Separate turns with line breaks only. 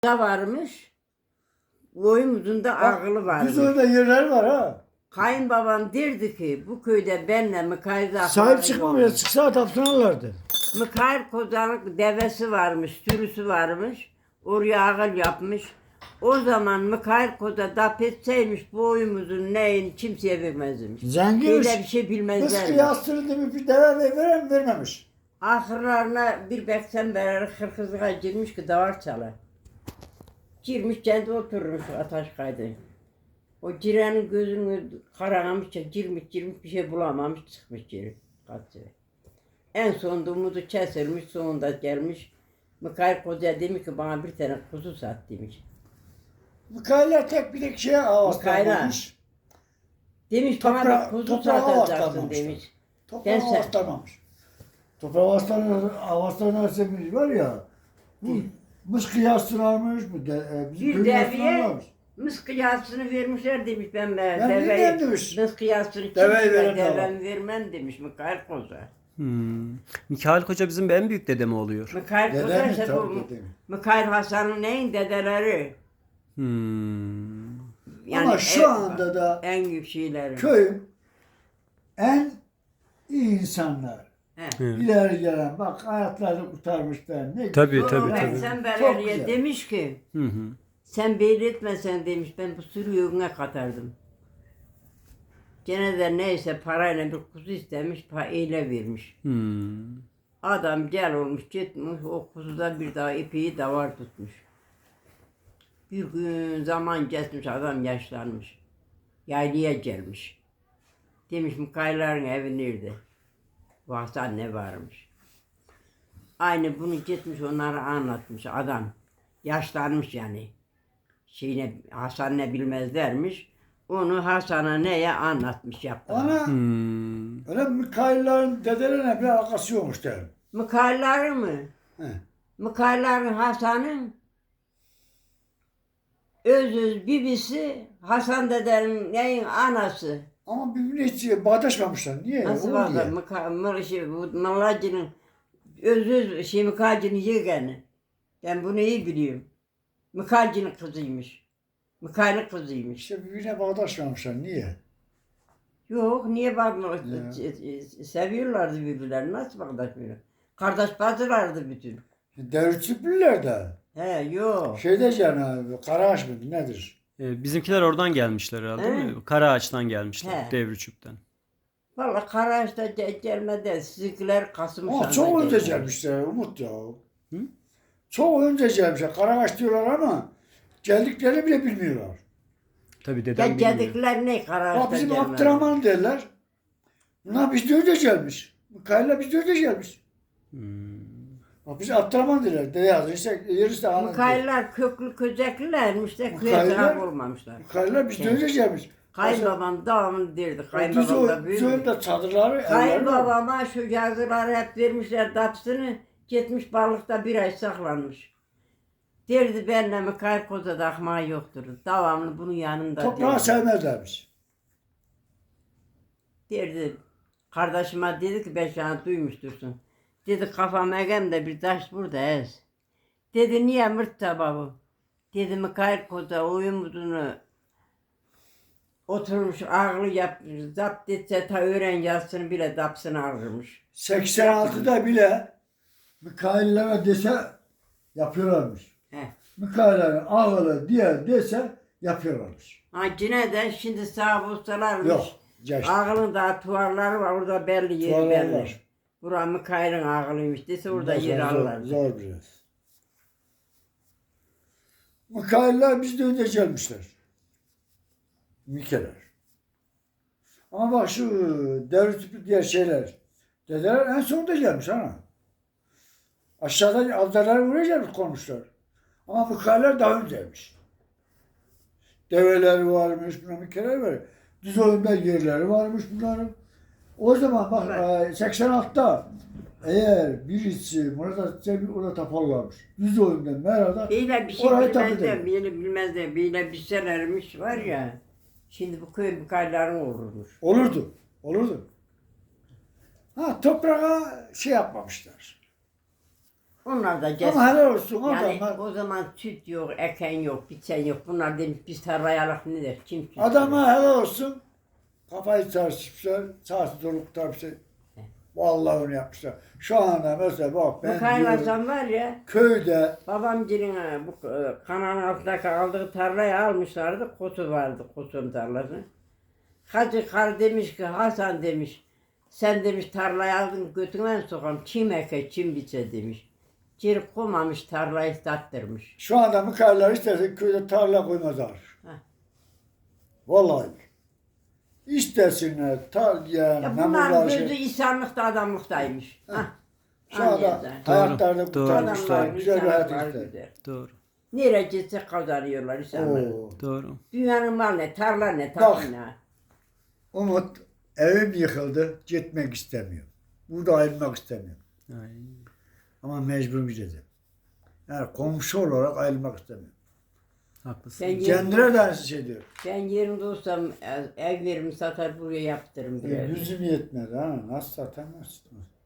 Da varmış. Boyumuzun da ağılı varmış.
Biz orada yerler var ha.
Kayınbabam derdi ki bu köyde benle Mikail
Sahip çıkmamaya çıksa tapsınarlardı.
Mikail Kozan'ın devesi varmış, sürüsü varmış. Oraya ağıl yapmış. O zaman Mikail Koza dap etseymiş boyumuzun neyin kimseye vermezmiş.
Zenginmiş.
Böyle bir şey
Kız
bilmezler.
kıyastırıldı bir deve vermemiş.
Ahırlarına bir beksen beri hırkızlığa girmiş ki davar çalar. Girmiş kendi oturmuş ataş kaydı. O girenin gözünü karalamış, girmiş bir şey bulamamış çıkmış geri. Kaçıyor. En sonunda umudu kesilmiş, sonunda gelmiş. Mikail Koca demiş ki bana bir tane kuzu sat demiş.
Mikail'e tek bir şeye avastlanmamış.
Demiş bana bir kuzu satacaksın demiş.
Toprağa avastlanmamış. Toprağa avastlanarsa bir var ya, bu mız kıyastırarmış, bu bizim
Bir
köyü
deviye
yastırarmış.
mız kıyasını vermişler demiş ben
Ben
deveyi.
demiş.
Mız kıyasını
Deveyi veren de var.
devem vermem demiş Mikail Koca.
Mikail Koca bizim en büyük dedemi oluyor.
Mikail Koca
Dedemiz
ise
tabii
bu
dedemiz.
Mikail Hasan'ın neyin dedeleri.
Ama şu anda da
en büyük şeyleri.
köyün en iyi insanlar.
He.
İleri gelen bak hayatlarını kurtarmış ben. Ne
Tabii,
güzel.
tabii,
Sonra
tabii.
Sen
Çok
Beleriye
güzel.
demiş ki
Hı hı.
sen belli etmesen demiş ben bu sürü yoluna katardım. Gene de neyse parayla bir kuzu istemiş, eyle vermiş. Adam gel olmuş gitmiş, o kuzuda bir daha ipeği davar tutmuş. Bir gün zaman geçmiş, adam yaşlanmış. Yaylaya gelmiş. Demiş Mikail'lerin evi nerede? Bu Hasan ne varmış? Aynı bunu gitmiş onlara anlatmış adam. Yaşlanmış yani. Hasan ne bilmezlermiş. Onu Hasan'a neye anlatmış yaptı.
Ana öyle Mikail'lerin dedelerine bir alakası yokmuş derim.
Mikail'lerin mi?
He.
Mikail'lerin Hasan'ın öz bibisi Hasan dedenin neyin anası.
Ama birbirine hiç bağdaşmamışlar. Niye?
Nasıl
O
var
diye.
bu Malacı'nın öz Mikail'cinin yeğeni. Ben bunu iyi biliyorum. Mikail'cinin kızıymış. Mikail'in kızıymış.
İşte birbirine bağdaşmamışlar. Niye?
Yok niye bakmıyor? Seviyorlardı birbirlerini. Nasıl bakmıyor? Kardeş bacılardı bütün.
Devletçiler de.
He yok.
Şeyde canım, Karaağaç mı nedir?
Bizimkiler oradan gelmişler herhalde değil mi? Karaağaç'tan gelmişler,
He.
Devrüçük'ten.
Vallahi Karaağaç'ta gelmedi. Sizinkiler Kasım
Ama çok önce gelmişler Umut ya. Çok önce gelmişler. Karaağaç diyorlar ama geldiklerini bile bilmiyorlar.
Tabii dedem
Ya
bilmiyor.
gedikler ne
Bak
Karaağaç'ta
bizim
gelmedi.
Abdurrahman derler. Bunlar bizde önce gelmiş. Mikail'le bizde önce gelmiş. Bak biz Abdurrahman derler. Dede yazın işte yerisi de anladı.
Mikailler köklü köceklilermiş de köye
Mikailler-
taraf olmamışlar.
Mikail'le bizde önce gelmiş.
Kayınbabam devamlı derdi.
Düz
Kayınbabam da büyük.
önde çadırları evleri var.
Kayınbabama şu yazıları hep vermişler dapsını. Gitmiş balıkta bir ay saklanmış. Derdi benimle Mikail Koza'da ahmağı yoktur. Devamlı bunun yanında
Toprağı
derdi.
sevmezlermiş.
Derdi. Kardeşime dedi ki ben sana duymuştursun. Dedi kafam egemde bir taş burada ez. Dedi niye mırt tabağı? Dedi Mikail Koza uyumuzunu oturmuş ağlı yapmış. Zapt etse ta öğren yazsın bile dapsını ağırmış.
86'da bile Mikail'lere dese yapıyorlarmış.
He.
Mikail'lerin ağılı diye dese yapıyorlarmış.
Ha yine de şimdi sağ bulsalarmış.
Yok. Geçti.
Ağılın da tuvarları var orada belli yeri
Tuvarlar
belli.
var.
Bura Mikail'in ağılıymış dese orada
Zor,
yer
zor,
alırlar.
zor biraz. Mikail'ler bizde önce gelmişler. Mikeler. Ama bak şu devlet diğer şeyler. Dedeler en sonunda gelmiş ha. Aşağıda adalar buraya gelmiş konmuşlar. Ama Mikail'ler daha önceymiş. Develer varmış, buna Mikeler var. Düz oyunda yerleri varmış bunların. O zaman bak 86'da eğer birisi Murat Atatürk'e orada taparlarmış. Düz oyunda Mera'da
Böyle bir şey
orayı tapu
bilmezler,
eder.
bilmezler, böyle bilselermiş var ya. Şimdi bu köy Mikail'lerin olurmuş.
Olurdu. Olurdu. Ha toprağa şey yapmamışlar.
Onlar da
Ama
cesur.
helal olsun
Yani
adamlar.
o zaman süt yok, eken yok, biçen yok. Bunlar demiş biz tarlaya alak ne der? Kim süt
Adama helal olsun. Kafayı çarşıpmışlar. Saati doluk tarpısı. Vallahi onu yapmışlar. Şu anda mesela bak
Bu
ben diyorum,
kaynaşan var ya,
köyde
babamcının bu kanalın altındaki aldığı tarlayı almışlardı. Kotu vardı, kotun tarlası. Hacı kar demiş ki Hasan demiş, sen demiş tarlayı aldın götünden sokam, çim eke, çim biçe demiş. Cirip koymamış tarlayı tattırmış.
şu anda mıkarlar isterse köyde tarla koymazlar.
Heh.
Vallahi. İstesinler yani
Ya bunların
memurlar
gözü insanlıkta adamlıktaymış. Hah.
Şu anda
Anlayacaksın.
hayatlarda
Doğru.
kurtarmışlar.
Adamlar,
Güzel bir hayat
insanlar
ister.
güzel.
Doğru.
Nereye gitse kazanıyorlar insanlar.
Oo.
Doğru.
Dünyanın malı ne, tarla ne,
Bak.
tatlı ne.
Umut evim yıkıldı. Gitmek istemiyor. Burada ayrılmak istemiyor.
Aynen.
Ama mecbur gideceğim. Yani komşu olarak ayrılmak istemiyor.
Haklısın.
Ben,
Kendine de aynı şey diyor.
ben yerinde olsam ev verimi satar buraya yaptırırım. birer.
Yüzüm yetmedi ha. Nasıl satamazsın?